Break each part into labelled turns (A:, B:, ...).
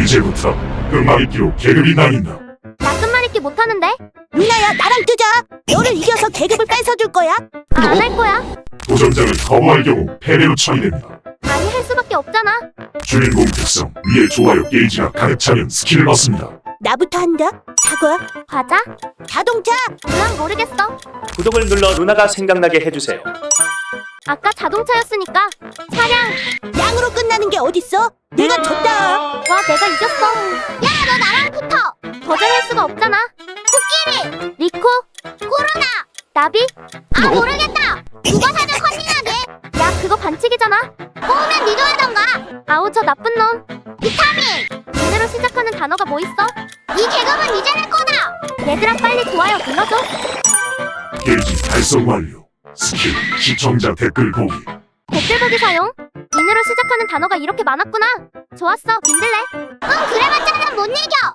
A: 이제부터 끝말잇기로 계급이 나뉜다.
B: 나 끝말잇기 못하는데?
C: 루나야, 나랑 뜨자. 너를 이겨서 계급을 뺏어줄 거야.
B: 안 할 거야.
A: 도전자를 거부할 경우 패배로 처리됩니다.
B: 아니 할 수밖에 없잖아.
A: 주인공 특성 위에 좋아요 게이지가 가득 차면 스킬을 얻습니다.
C: 나부터 한다. 사과,
B: 과자?
C: 자동차.
B: 난 모르겠어.
D: 구독을 눌러 루나가 생각나게 해주세요.
B: 아까 자동차였으니까 차량.
C: 양으로 끝나는 게 어딨어? 내가 졌다.
B: 와 내가 이겼어. 야 너 나랑 붙어. 거절할 수가 없잖아. 코끼리, 리코, 코로나, 나비. 아 모르겠다. 누가 사전 컨닝하게. 야 그거 반칙이잖아. 꼬우면 니도 하던가. 아우 저 나쁜 놈. 비타민. 이대로 시작하는 단어가 뭐 있어? 이 계급은 이제 내 거다. 얘들아 빨리 좋아요 눌러줘.
A: 게이지 달성 완료. 스킬 시청자 댓글 보기.
B: 댓글 보기 사용. 인으로 시작하는 단어가 이렇게 많았구나. 좋았어 민들레. 그래봤자 못 이겨.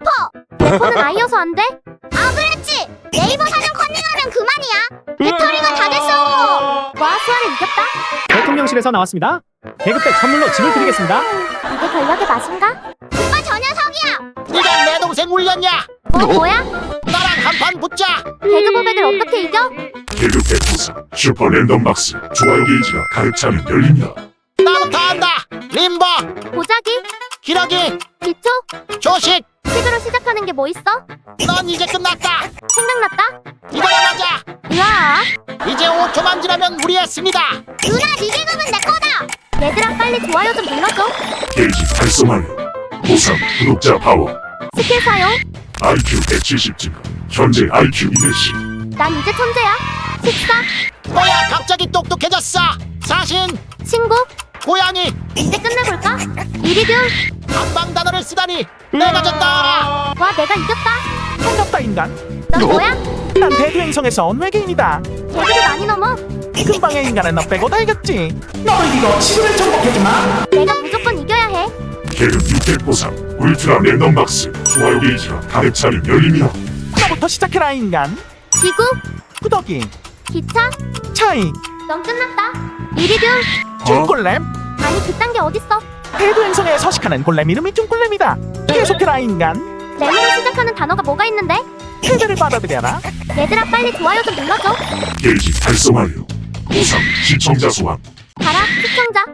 B: 래퍼는 아이여서 안 돼? 아 그랬지. 네이버 사전 컨닝하면 그만이야. 배터리가 다 됐어. 와 수아를 이겼다.
E: 대통령실에서 나왔습니다. 계급백 선물로 짐을 드리겠습니다.
B: 이게 권력의 맛인가? 오빠 저 녀석이야.
F: 네가 내 동생 울렸냐?
B: 뭐야?
F: 나랑 한판 붙자.
B: 배그 보백을 어떻게 이겨?
A: 계급 100% 슈퍼 랜덤 박스 좋아요 게이지가 가득 차면 열립니다.
F: 나부터 한다. 림버,
B: 보자기,
F: 기러기,
B: 기초,
F: 조식.
B: 식으로 시작하는 게 뭐 있어?
F: 넌 이제 끝났다.
B: 생각났다?
F: 이거나 맞아.
B: 으아.
F: 이제 5초만 지나면 무리했습니다.
B: 누나 네 계급은 내 거다. 얘들아 빨리 좋아요 좀 눌러줘.
A: 게이지 달성 완료. 보상 구독자 파워.
B: 스킬 사용.
A: IQ 170 증가. 현재 IQ 210.
B: 난 이제 천재야. 식사,
F: 뭐야 갑자기 똑똑해졌어. 사신,
B: 친구.
F: 고양이.
B: 이제 끝내볼까? 이리듐.
F: 한방 단어를 쓰다니. 내가 졌다.
B: 와 내가 이겼다.
E: 반갑다 인간.
B: 넌 뭐야?
E: 난 대두행성에서 온 외계인이다.
B: 계급이 많이 넘어.
E: 금방의 인간은 너 빼고 다 이겼지. 너를 이거 지구를 정복해주마.
B: 내가 무조건 이겨야 해.
A: 계급 600 보상 울트라 랜덤 박스 좋아요 게이지가 가득 차면 열립니다.
E: 너부터 시작해라 인간.
B: 지구,
E: 구더기,
B: 기차.
E: 차이,
B: 넌 끝났다. 이리듐.
E: 쭌골렘.
B: 아니 그딴 게 어딨어?
E: 대두행성에 서식하는 골렘 이름이 쭌골렘이다. 계속해라 인간.
B: 램으로 시작하는 단어가 뭐가 있는데?
E: 패배를 받아들여라.
B: 얘들아 빨리 좋아요 좀 눌러줘.
A: 게이지 달성 완료. 보상 시청자 소환.
B: 가라 시청자.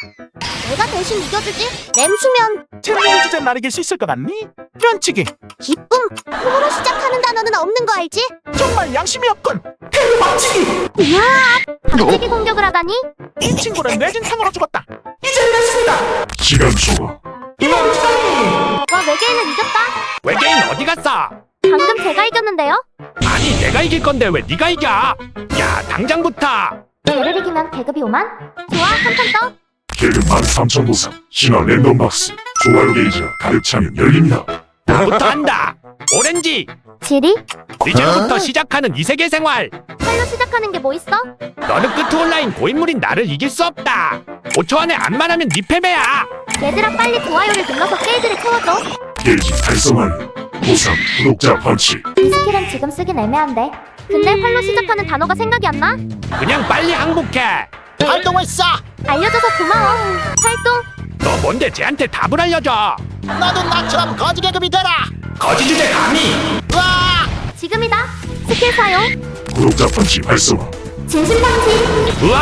B: 내가 대신 이겨주지. 램 수면.
E: 재밌는 주제 날 이길 수 있을 것 같니? 면치기.
B: 기쁨. 홈으로 시작하는 단어는 없는 거 알지?
E: 정말 양심이 없군. 대박치기.
B: 이야. 박치기 공격을 하다니?
E: 이 친구는 뇌진탕으로 죽었다. 이제 됐습니다.
A: 시간 초과.
B: 와 외계인을 이겼다.
G: 외계인 어디 갔어?
B: 방금 제가 이겼는데요?
G: 아니 내가 이길 건데 왜 네가 이겨? 야 당장부터.
B: 얘를 이기면 계급이 5만? 좋아 한 판 떠.
A: 계급 13,000 보상 신화 랜덤 박스 좋아요 게이지가 가득 차면 열립니다.
G: 나부터 한다. 오렌지.
B: 지리?
G: 이제부터 시작하는 이세계 생활.
B: 팔로 시작하는 게 뭐 있어?
G: 너는 끝 온라인 고인물인 나를 이길 수 없다. 5초 안에 안만 하면 네 패배야.
B: 얘들아 빨리 좋아요를 눌러서 게이지를 채워줘.
A: 게이지 달성 완료. 보상 구독자 펀치.
B: 이 스킬은 지금 쓰긴 애매한데. 근데 팔로 시작하는 단어가 생각이 안 나?
G: 그냥 빨리 항복해.
F: 활동했어.
B: 알려줘서 고마워. 활동.
G: 너 뭔데 쟤한테 답을 알려줘.
F: 너도 나처럼 거지 계급이 되라.
G: 거짓 주제 감히.
F: 와.
B: 지금이다. 스킬 사용.
A: 구독자 펀치 활성화.
B: 진심방지.
G: 우와.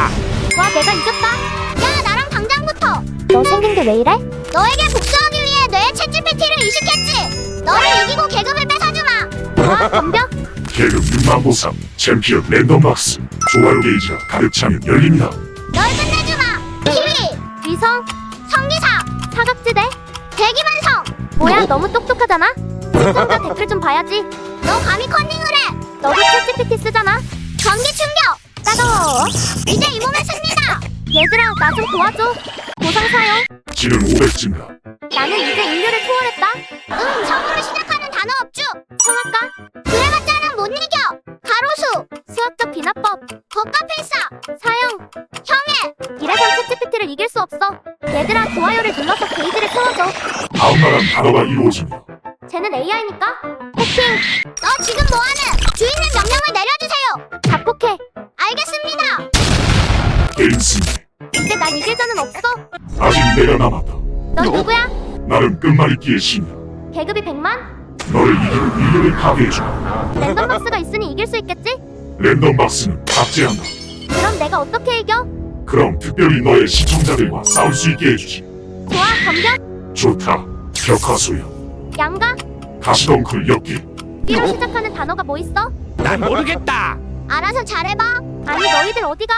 B: 와 내가 이겼다. 야 나랑 당장부터. 너 생긴 게 왜 이래? 너에게 복수하기 위해 뇌 챗GPT를 이식했지. 너를 이기고 계급을 뺏어주마. 와 덤벼.
A: 계급 6만 보상 챔피언 랜덤 박스 좋아요 게이지가 가득 차면 열립니다.
B: 널 끝내주마. 키위. 위성. 성기사. 사각지대. 대기만성. 뭐야 너무 똑똑하잖아. 시청자 댓글 좀 봐야지. 너 감히 컨닝을 해. 너도 챗GPT 쓰잖아. 전기 충격. 따가워. 이제 이 몸의 승리다. 얘들아 나 좀 도와줘. 보상 사용.
A: 지능 500 증가.
B: 나는 이제 인류를 초월했다. 성으로 시작하는 단어 업주. 성악가. 그래봤자는 못 이겨. 가로수. 수학적 비나법. 거가필사. 사형. 형해. 이래선 챗GPT를 이길 수 없어. 얘들아 좋아요를 눌러서 게이지를 채워줘.
A: 다음 말한 단어가 이루어집니다.
B: 쟤는 AI니까. 포킹. 너 지금 뭐하는? 주인님 명령을 내려주세요. 자폭해. 알겠습니다.
A: 게임 승리.
B: 이제 난 이길 자는 없어.
A: 아직 내가 남았다.
B: 넌 누구야?
A: 나는 끝말잇기의 신이야.
B: 계급이 100만?
A: 너를 이기고 인류를 파괴해줘.
B: 랜덤박스가 있으니 이길 수 있겠지?
A: 랜덤박스는 탑재한다.
B: 그럼 내가 어떻게 이겨?
A: 그럼 특별히 너의 시청자들과 싸울 수 있게 해주지.
B: 좋아, 덤벼.
A: 좋다. 벽화소야.
B: 양가?
A: 가시덩굴 엮기.
B: B로 시작하는 단어가 뭐 있어?
G: 난 모르겠다.
B: 알아서 잘해봐. 아니 너희들 어디가?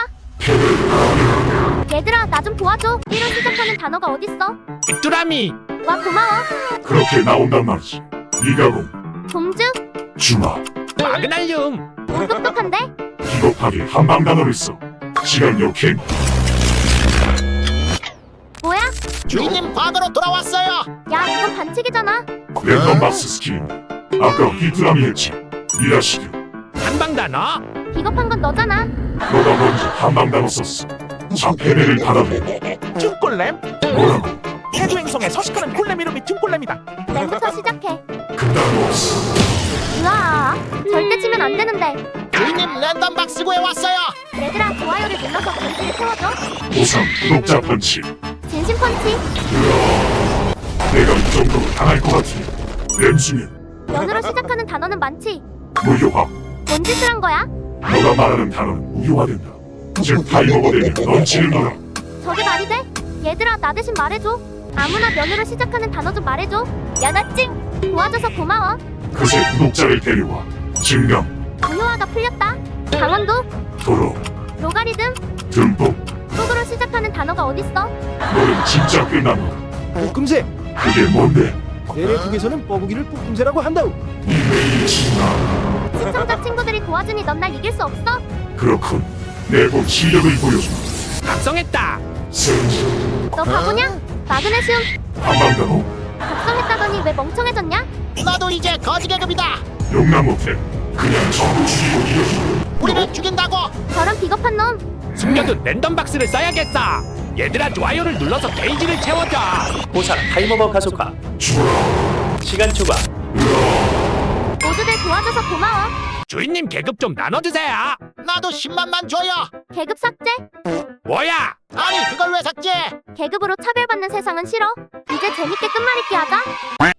B: 얘들아 나 좀 도와줘. B로 시작하는 단어가 어딨어?
G: 귀뚜라미.
B: 와 고마워.
A: 그렇게 나온단 말이지. 미가공,
B: 동주?
A: 주마,
G: 마그날륨.
B: 오 똑똑한데?
A: 비겁하게 한방 단어를 써. 시간 역행.
B: 뭐야?
F: 주인님 과거로 돌아왔어요.
B: 야 이건 반칙이잖아.
A: 랜덤박스 스킬인데 아까 귀뚜라미 했지. 미라시드.
G: 한방 단어.
B: 비겁한 건 너잖아.
A: 너가 먼저 한방 단어 썼어. 자 패배를 받아들여.
E: 춤골렘?
A: 뭐라고?
E: 해도 행성에 서식하는 골렘 이름이 춤골렘이다.
B: 랜부터 시작해.
A: 그딴 거 없어.
B: 으아 절대 치면 안 되는데.
F: 주인님 랜덤박스 구해 왔어요.
B: 얘들아 좋아요를 눌러서 전지를 태워줘.
A: 보상 구독자 펀치.
B: 진심 펀치.
A: 내가 이 정도로 당할 것 같으니 램수면
B: 연으로 시작하는 단어는 많지.
A: 무효화.
B: 뭔 짓을 한 거야?
A: 너가 말하는 단어는 무효화된다. 즉 타이머가 되면 넌 지는 거다.
B: 저게 말이 돼? 얘들아 나 대신 말해줘. 아무나 면으로 시작하는 단어 좀 말해줘. 연하찡 도와줘서 고마워.
A: 그새 구독자를 데려와. 증강,
B: 무효화가 풀렸다. 강원도,
A: 도로,
B: 로가리즘,
A: 듬뿍.
B: 속으로 시작하는 단어가 어딨어?
A: 너는 진짜 끝난다.
H: 볶음새
A: 그게 뭔데?
H: 내래국에서는 뻐구기를 볶음새라고 한다우.
B: 시청자 친구들이 도와주니 넌 날 이길 수 없어?
A: 그렇군. 내본 실력을 보여줘.
G: 각성했다.
A: 센지.
B: 너 바보냐? 마그네슘
A: 한방단어.
B: 각성했다더니 왜 멍청해졌냐?
F: 나도 이제 거지 계급이다.
A: 용납 못해. 그냥 전부 죽이고 이겨줘.
F: 우리를 죽인다고.
B: 저런 비겁한 놈.
G: 숨겨둔 랜덤박스를 써야겠어. 얘들아 좋아요를 눌러서 게이지를 채워줘.
D: 보상 타이머버 가속화.
A: 죽어라.
D: 시간 초과.
B: 모두들 도와줘서 고마워.
G: 주인님 계급 좀 나눠주세요.
F: 나도 10만만 줘요.
B: 계급 삭제?
G: 뭐야?
F: 아니 그걸 왜 삭제?
B: 계급으로 차별받는 세상은 싫어. 이제 재밌게 끝말잇기 하자.